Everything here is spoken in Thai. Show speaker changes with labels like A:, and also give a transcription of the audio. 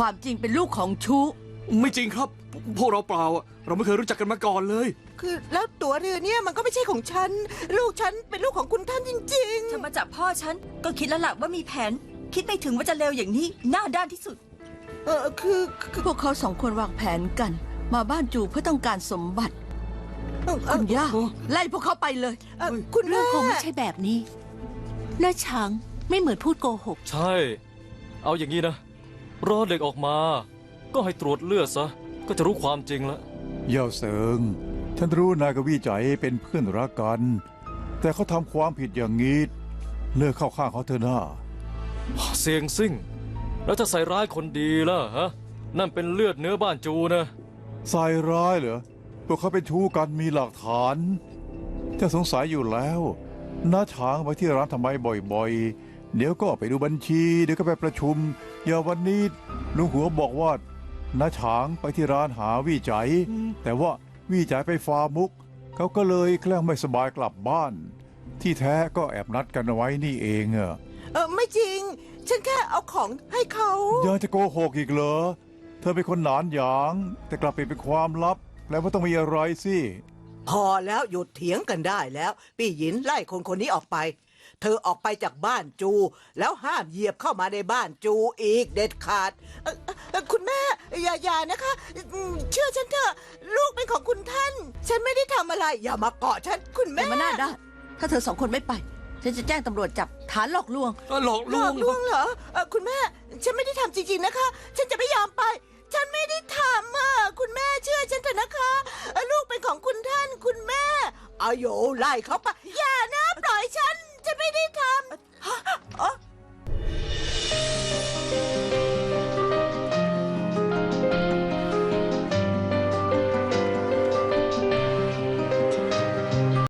A: ความจริงเป็นลูกของชู
B: ไม่จริงครับ พวกเราเปล่าอะเราไม่เคยรู้จักกันมาก่อนเลย
C: คือแล้วตั๋วเรือเนี่ยมันก็ไม่ใช่ของฉัน ลูกฉันเป็นลูกของคุณท่านจริง
D: ฉันมาจับพ่อฉันก็คิดแล้วล่ะว่ามีแผน คิดไม่ถึงว่าจะเลวอย่างนี้หน้าด้านที่สุด
C: ๆคือ
A: พวกเขาสองคนวางแผนกัน มาบ้านจูเพื่อต้องการสมบัติคุณย่าไล่พวกเขาไปเลย
C: คุณ
E: เรื่
C: แม่
E: องคงไม่ใช่แบบนี้น้าช้างไม่เหมือนพูดโกหก
F: ใช่ เอาอย่างนี้นะ รอเด็กออกมา ก็ให้ตรวจเลือดซะ ก็จะรู้ความจริงแล้ว
G: เย่าเสิงฉันรู้นายกับวี่ใจเป็นเพื่อนรักกัน แต่เขาทำความผิดอย่างนี้เลิกเข้าข้างเขาเถอะนะ
F: เสียงซิ่ง แล้วจะใส่ร้ายคนดีล่ะฮะ นั่นเป็นเลือดเนื้อบ้านจูนะ
G: ใส่ร้ายเหรอพวกเขาเป็นชู้กันมีหลักฐานจะสงสัยอยู่แล้วน้าช้างไปที่ร้านทำไมบ่อยๆ เดี๋ยวก็ไปดูบัญชี เดี๋ยวก็ไปประชุม อย่าวันนี้ลุงหัวบอกว่าน้าช้างไปที่ร้านหาวี่ใจ แต่ว่าวี่ใจไปฟาร์มมุก เขาก็เลยแกล้งไม่สบายกลับบ้าน ที่แท้ก็แอบนัดกันเอาไว้นี่เองอะ
C: ไม่จริง ฉันแค่เอาของให้เขา
G: ยังจะโกหกอีกเหรอเธอเป็นคนหนานหยาง แต่กลับเป็นความลับแปลว่าต้องมีอะไรสิ
H: พอแล้วหยุดเถียงกันได้แล้ว ปี่หยินไล่คนคนนี้ออกไป เธอออกไปจากบ้านจู แล้วห้ามเหยียบเข้ามาในบ้านจูอีกเด็ดขาด
C: คุณแม่อย่านะคะเชื่อฉันเถอะลูกเป็นของคุณท่าน ฉันไม่ได้ทำอะไร อย่ามาเกาะฉันคุณ
A: แต่
C: แม่
A: มาหน้าด้านถ้าเธอสองคนไม่ไป ฉันจะแจ้งตำรวจจับฐานหลอกลวง
B: หลอก
C: ห
B: ล
C: ล
B: ว
C: อง กลวงเหรอคุณแม่ ฉันไม่ได้ทำจริงๆนะคะ ฉันจะไม่ยอมไป ฉันไม่ได้ทำคุณแม่เชื่อฉันเถอะนะคะลูกเป็นของคุณท่านคุณแม่
H: อาโยไล่เขาไป
C: อย่านะปล่อยฉันไม่ได้ทำ